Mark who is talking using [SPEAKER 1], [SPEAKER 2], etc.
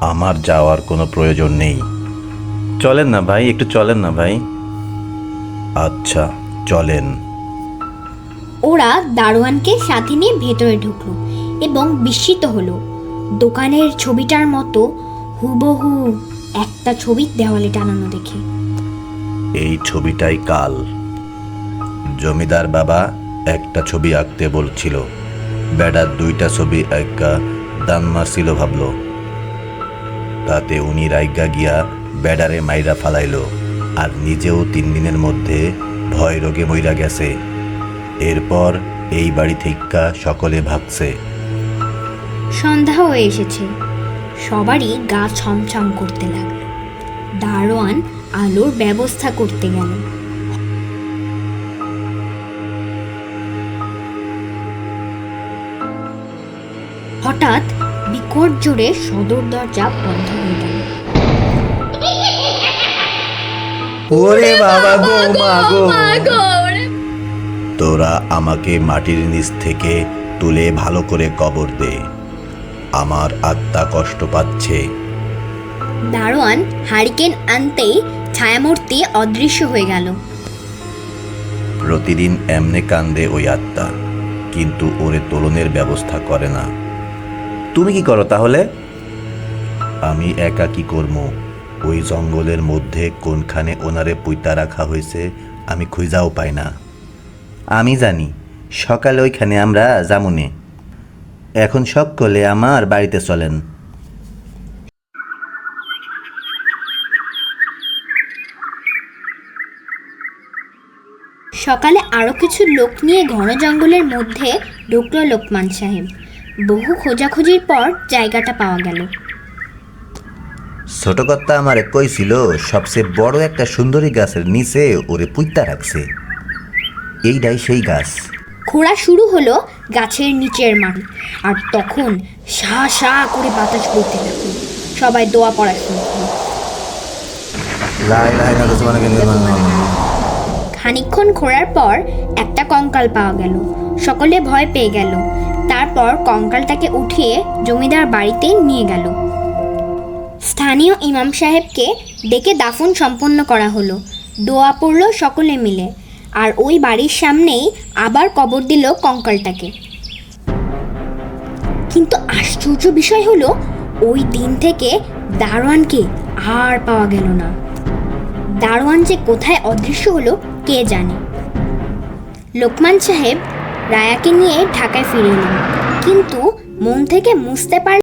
[SPEAKER 1] আমার যাওয়ার কোনো প্রয়োজন নেই। চলেন না ভাই, একটু চলেন না ভাই। আচ্ছা চলেন।
[SPEAKER 2] ওরা দারোয়ানকে সাথে নিয়ে ভেতরে ঢুকলো এবং বিস্মিত হলো। দোকানের ছবিটার মতো হুবহু একটা ছবি দেওয়ালে টানানো দেখে।
[SPEAKER 1] এই ছবিটাই কাল। জমিদার বাবা একটা ছবি আঁকতে বলছিল, বেড়ার দুইটা ছবি আঁকা দান মারছিল ভাবল। তাতে উনি রাইগা গিয়া বেড়ারে মাইরা ফালাইল, আর নিজেও 3 দিনের মধ্যে ভয় রোগে মইরা গেছে। এরপর এই বাড়ি থেকে সকলে ভাগছে।
[SPEAKER 2] সন্ধ্যা হয়ে এসেছে, সবারই গা ছমছম করতে লাগলো। দারোয়ান আলোর ব্যবস্থা করতে গেল। হঠাৎ বিকট জোরে সদর দরজা বন্ধ হয়ে গেল।
[SPEAKER 1] ওরে বাবা গো, মা গো! তোরা আমাকে মাটির নিচ থেকে তুলে ভালো করে কবর দে, আমার আত্মা কষ্ট পাচ্ছে।
[SPEAKER 2] দারোয়ান হারিকেন আনতেই ছায়ামূর্তি অদৃশ্য হয়ে গেল।
[SPEAKER 1] প্রতিদিন এমনে কান্দে ওই আত্মা, কিন্তু ওরে তোলনের ব্যবস্থা করে না। তুমি কি করো তাহলে? আমি একা কি করবো? ওই জঙ্গলের মধ্যে কোনখানে ওনারে পুইতা রাখা হয়েছে আমি খুঁজাও পাই না। আমি জানি সকালে ওইখানে আমরা যামুনে। এখন সকলে আমার বাড়িতে চলেন।
[SPEAKER 2] সকালে আরো কিছু লোক নিয়ে ঘন জঙ্গলের মধ্যে ঢুকলো লোকমান সাহেব। বহু খোঁজাখুঁজির পর জায়গাটা পাওয়া গেল।
[SPEAKER 1] ছোট কর্তা আমারে কইছিল সবচেয়ে বড় একটা সুন্দরী গাছের নিচে ওরে পুইতা রাখছে। এইটাই সেই গাছ।
[SPEAKER 2] খোঁড়া শুরু হলো গাছের নিচের মাটি, আর তখন সা সা করে বাতাস বইতে লাগলো। সবাই দোয়া পড়া শুরু করলো। খানিকক্ষণ খোঁড়ার পর একটা কঙ্কাল পাওয়া গেল। সকলে ভয় পেয়ে গেল। তারপর কঙ্কালটাকে উঠিয়ে জমিদার বাড়িতে নিয়ে গেল। স্থানীয় ইমাম সাহেবকে ডেকে দাফন সম্পন্ন করা হলো। দোয়া পড়ল সকলে মিলে, আর ওই বাড়ির সামনেই আবার কবর দিল কঙ্কালটাকে। কিন্তু আশ্চর্য বিষয় হলো, ওই দিন থেকে দারোয়ানকে আর পাওয়া গেল না। দারোয়ান যে কোথায় অদৃশ্য হলো কে জানে। লোকমান সাহেব রায়াকে নিয়ে ঢাকায় ফিরে এলেন, কিন্তু মন থেকে মুছতে পারলেন